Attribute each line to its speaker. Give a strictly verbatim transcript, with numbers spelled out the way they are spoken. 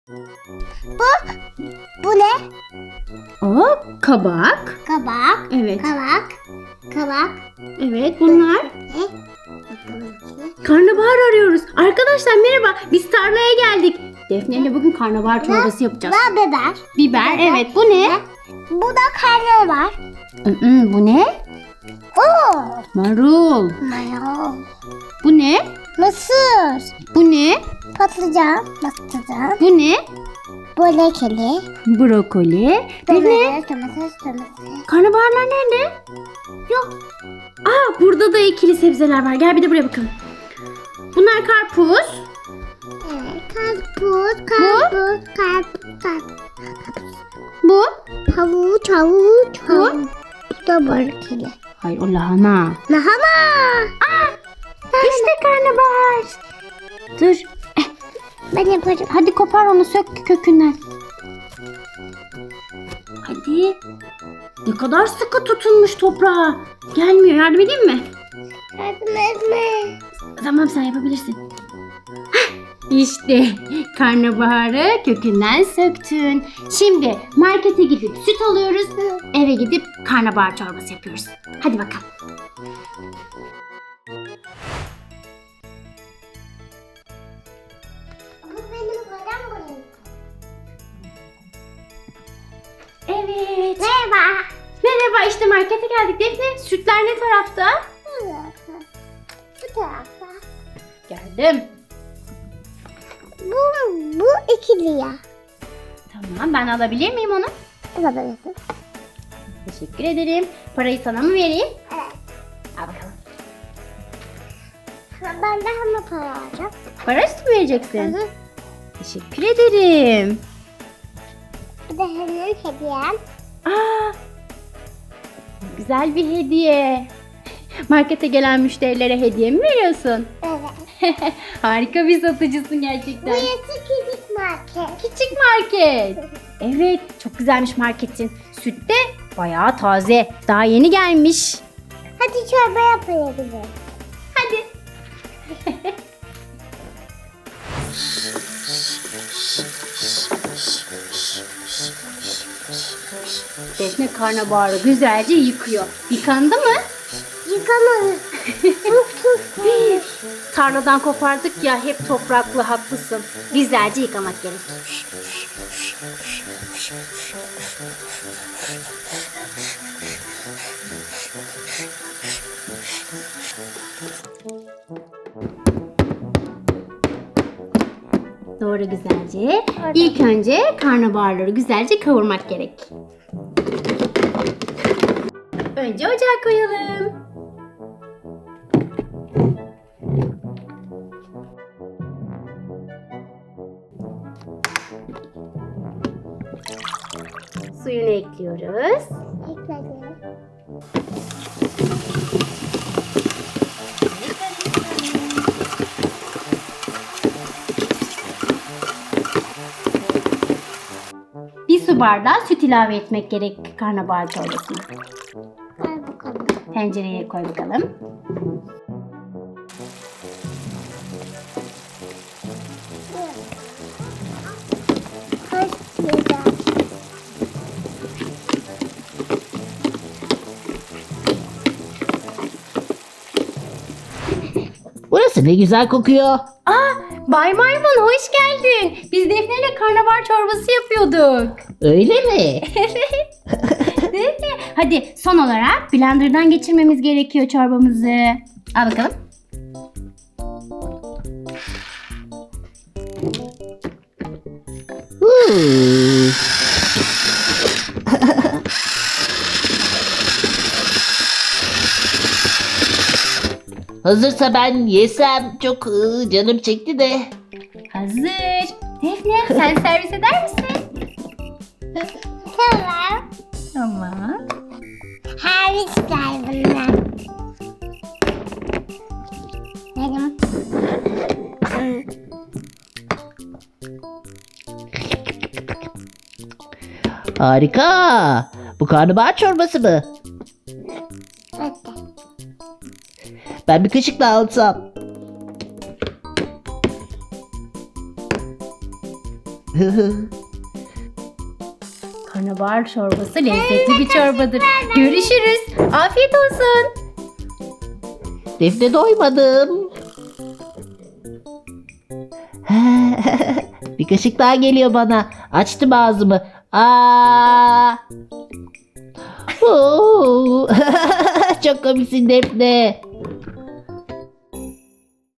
Speaker 1: Bu, bu ne?
Speaker 2: O kabak.
Speaker 1: Kabak.
Speaker 2: Evet.
Speaker 1: Kabak. Kabak.
Speaker 2: Evet bunlar.
Speaker 1: Ne? Bakalım içine.
Speaker 2: Karnabahar arıyoruz. Arkadaşlar merhaba. Biz tarlaya geldik. Defne ile bugün karnabahar çorbası yapacağız.
Speaker 1: Bu biber.
Speaker 2: Biber evet. Bu ne?
Speaker 1: Bu da karnabahar.
Speaker 2: Mm, bu ne?
Speaker 1: Oo.
Speaker 2: Marul.
Speaker 1: Mayo.
Speaker 2: Bu ne?
Speaker 1: Mısır.
Speaker 2: Bu ne?
Speaker 1: Patlıcan. Patlıcan.
Speaker 2: Bu ne?
Speaker 1: Bolekeli.
Speaker 2: Brokoli. Defne.
Speaker 1: Domates. Domates. Domates.
Speaker 2: Karnabaharlar nerede?
Speaker 1: Yok.
Speaker 2: Aa burada da ikili sebzeler var. Gel bir de buraya bakalım. Bunlar karpuz.
Speaker 1: Evet. Karpuz. Karpuz. Karpuz. Karpuz.
Speaker 2: Bu.
Speaker 1: Havuç. Havuç.
Speaker 2: Bu?
Speaker 1: Havuç. Bu da bolekeli.
Speaker 2: Hayır o lahana.
Speaker 1: Lahana.
Speaker 2: İşte karnabahar. Dur. Eh,
Speaker 1: Ben yaparım.
Speaker 2: hadi kopar onu sök kökünden. Hadi. Ne kadar sıkı tutunmuş toprağa. Gelmiyor. Yardım edeyim mi?
Speaker 1: Yardım etme.
Speaker 2: Tamam sen yapabilirsin. Hah, İşte karnabaharı kökünden söktün. Şimdi markete gidip süt alıyoruz. Eve gidip karnabahar çorbası yapıyoruz. Hadi bakalım.
Speaker 1: Bu benim kodam buraya.
Speaker 2: Evet.
Speaker 1: Merhaba.
Speaker 2: Merhaba işte markete geldik. Defne sütler ne tarafta?
Speaker 1: Bu tarafta. Bu tarafta.
Speaker 2: Geldim.
Speaker 1: Bu, bu ikili ya.
Speaker 2: Tamam ben alabilir miyim onu?
Speaker 1: Alabilirsin.
Speaker 2: Teşekkür ederim. Parayı sana mı vereyim?
Speaker 1: Evet.
Speaker 2: Al bakalım.
Speaker 1: Ben de hemen para alacağım.
Speaker 2: Para mı vereceksin?
Speaker 1: Hı hı.
Speaker 2: Teşekkür ederim.
Speaker 1: Bu da hemen hediyem.
Speaker 2: Aa, güzel bir hediye. Markete gelen müşterilere hediye mi veriyorsun?
Speaker 1: Evet.
Speaker 2: Harika bir satıcısın gerçekten.
Speaker 1: Burası küçük market.
Speaker 2: Küçük market. Evet, çok güzelmiş marketin. Süt de bayağı taze. Daha yeni gelmiş.
Speaker 1: Hadi çorba yapabiliriz.
Speaker 2: Hadi. Defne karnabaharı güzelce yıkıyor. Yıkandı mı?
Speaker 1: Yıkamadım. Çok çok
Speaker 2: Tarladan kopardık ya hep topraklı haklısın. Güzelce yıkamak gerek. Doğru güzelce. İlk önce karnabaharları güzelce kavurmak gerek. Önce ocağa koyalım. Suyunu ekliyoruz.
Speaker 1: ekledim.
Speaker 2: Bir su bardağı süt ilave etmek gerek karnabahar çorbasına.
Speaker 1: Ver bakalım.
Speaker 2: Tencereye koy bakalım.
Speaker 1: Kaç güzel.
Speaker 3: Burası ne güzel kokuyor.
Speaker 2: Aa, Bay Maymun hoş geldin. Biz Defne ile karnabahar çorbası yapıyorduk.
Speaker 3: Öyle mi?
Speaker 2: Değil mi? Hadi son olarak blenderdan geçirmemiz gerekiyor çorbamızı. Al bakalım.
Speaker 3: Huu. Hazırsa ben yesem, çok ıı, canım çekti de.
Speaker 2: Hazır. Defne sen servis eder misin?
Speaker 1: Tamam.
Speaker 2: Tamam.
Speaker 1: Her ister bunlar. Benim.
Speaker 3: Harika. Bu karnabahar çorbası mı?
Speaker 1: Evet.
Speaker 3: Ben bir kaşıkla alsam.
Speaker 2: Karnabahar çorbası lezzetli bir çorbadır. Görüşürüz. Afiyet olsun.
Speaker 3: Defne doymadım. Bir kaşık daha geliyor bana. Açtım ağzımı. Aa! Oo! Çok komiksin Defne.